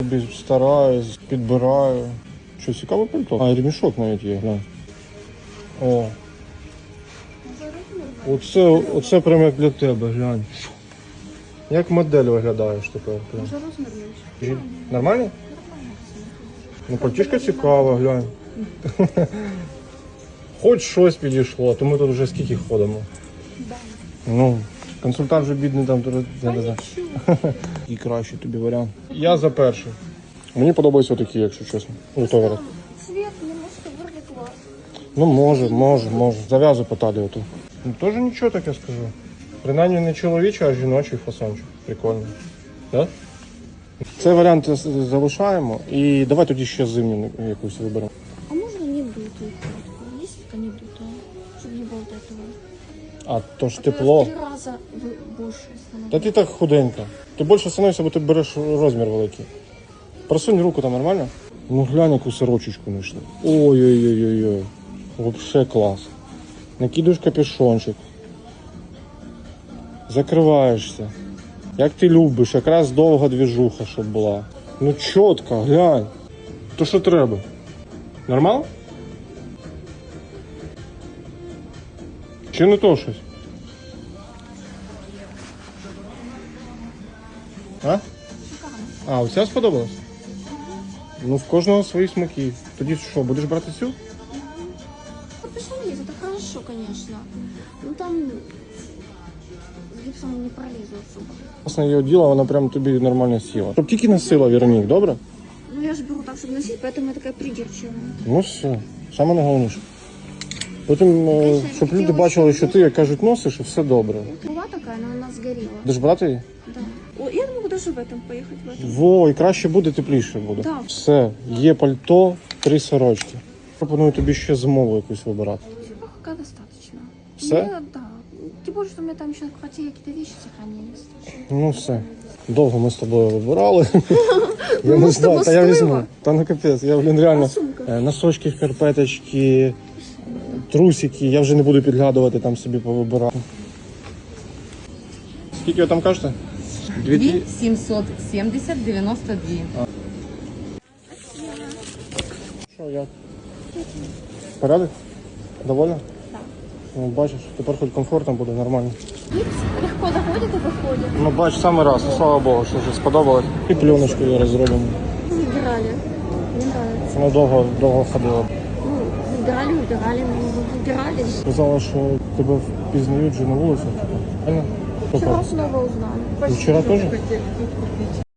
Стараюсь, підбираю. Що, цікаве пальто? А, ремішок навіть є, глянь. О. Оце прямо як для тебе, глянь. Як модель виглядаєш тепер. Може розмір менше. Нормально? Ну, пальтішка цікава, глянь. Хоч щось підійшло, то ми тут вже скільки ходимо. Да. Ну, консультант вже бідний там. І кращий тобі варіант. Я за перший. Мені подобаються такі, якщо чесно. Цвет немножко вроде класс. Ну, може. Зав'язу по талію тут. Ну, теж нічого таке скажу. Принаймні не чоловічий, а жіночий фасончик. Прикольно. Да? Цей варіант залишаємо. І давай тоді ще зимню якусь виберемо. А можно не дутую куртку? Есть такая не дутая? Чтобы не было этого. А то ж тепло. В 3 раза больше становится. Та ти так худенька. Ти більше становишся, бо ти береш розмір великий. Просунь руку там нормально? Ну глянь, яку сорочечку знайшли. Ой-ой-ой-ой-ой. Вообще клас. Накидуєш капюшончик. Закриваєшся. Як ти любиш, якраз довга двіжуха, щоб була. Ну чітко, глянь. То що треба? Нормально? Чи не то щось? А, оця сподобалась? Ну, в кожного свої смаки. Тоді що, будеш брати цю? Капюшон есть, это хорошо, конечно. Ну там с гипсом не пролезу особо. Власне, її оділа, вона прям тобі нормально сіла. Щоб тільки носила, Веронік, добре? Ну я же беру так, чтобы носить, поэтому я такая придирчивая. Ну все, саме найголовніше. Потім, щоб люди бачили, що ти, як кажуть, носиш, і все добре. Была такая, но она сгорела. Будеш брати її? Да. О, я могу даже в этом поехать. В этом. Во, і краще буде, тепліше буде. Да. Все, є пальто, 3 сорочки. Пропоную тобі ще зимову якусь вибирати. Типа пока достаточно. Все? Мне, да. Тем более, что у меня там еще на квартире какие-то вещи сохранились. Ну все. Довго ми з тобою вибирали. Я Ну, не з тобою знаю, та я візьму. стоїмо. Та ну капець, я, реально. А сумка? Носочки, шкарпеточки, трусики. Я вже не буду підглядувати, там собі повибирати. Скільки ви там кажете? 2770-92. Що, як? Порядок? Довольна? Так. Ну, бачиш, тепер хоч комфортно буде, нормально. Гипс легко заходит и выходит. Ну, бач, саме раз, ну, слава Богу, що вже сподобалось. І пленочку зараз зробимо. Выбирали. Мне нравится. Вона довго ходила. Ну, выбирали, но выбирали. Сказала, що тебе впізнають вже на вулиці. Правильно? Вчера снова узнали. І вчора теж?